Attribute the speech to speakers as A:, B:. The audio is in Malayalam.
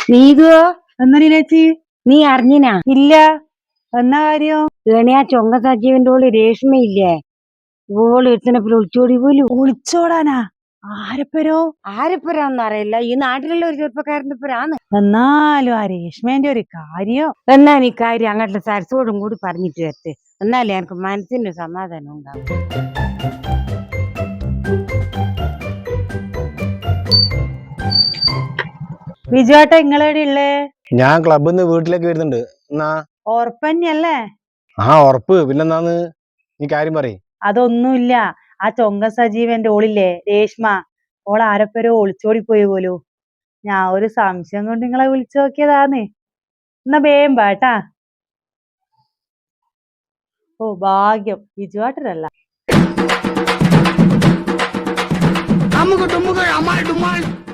A: നീതുവോ?
B: എന്നല്ലേ ചേച്ചി?
A: നീ അറിഞ്ഞിനാ?
B: ഇല്ല. എന്നാ കാര്യം?
A: ഏണിയാ ചൊങ്ക സജീവന്റെ ഓള് രേഷ്മയില്ലേ, ഓള് ഒരുത്തനെപ്പോ ഒളിച്ചോടി പോലും.
B: ഒളിച്ചോടാനാ? ആരപ്പരോ?
A: ആരെപ്പരാന്ന് അറിയില്ല, ഈ നാട്ടിലുള്ള ഒരു ചെറുപ്പക്കാരന്റെ പേരാണ്.
B: എന്നാലും ആ രേഷ്മേന്റെ ഒരു കാര്യം.
A: എന്നാ നീ കാര്യം അങ്ങോട്ട് സരസോടും കൂടി പറഞ്ഞിട്ട് വരട്ടെ, എന്നാലേ എനിക്ക് മനസ്സിന് സമാധാനം ഉണ്ടാവും.
B: ബിജുവേട്ട ഇങ്ങളെവിടെ ഉള്ളേ?
C: ഞാൻ ക്ലബിൽ നിന്ന് വീട്ടിലേക്ക് വരുന്നുണ്ട്. എന്നാ
B: ഓർപ്പന്നല്ലേ?
C: ഉറപ്പ്. പിന്നെന്താന്ന് നീ കാര്യം പറയും.
B: അതൊന്നുമില്ല. ആ ചൊങ്ക സജീവന്റെ ഓളില്ലേ രേഷ്മ, ഓൾ ആരപ്പരോ ഒളിച്ചോടി പോയി പോലു. ഞാൻ ഒരു സംശയം കൊണ്ട് നിങ്ങളെ വിളിച്ചു നോക്കിയതാന്ന്. എന്നാ വേം ബാട്ടാ. ഓ ഭാഗ്യം, ബിജുവേട്ടനല്ല.
D: അമ്മുക്ക് ടുമ്മുകൾ അമാൾ ഡുമാൾ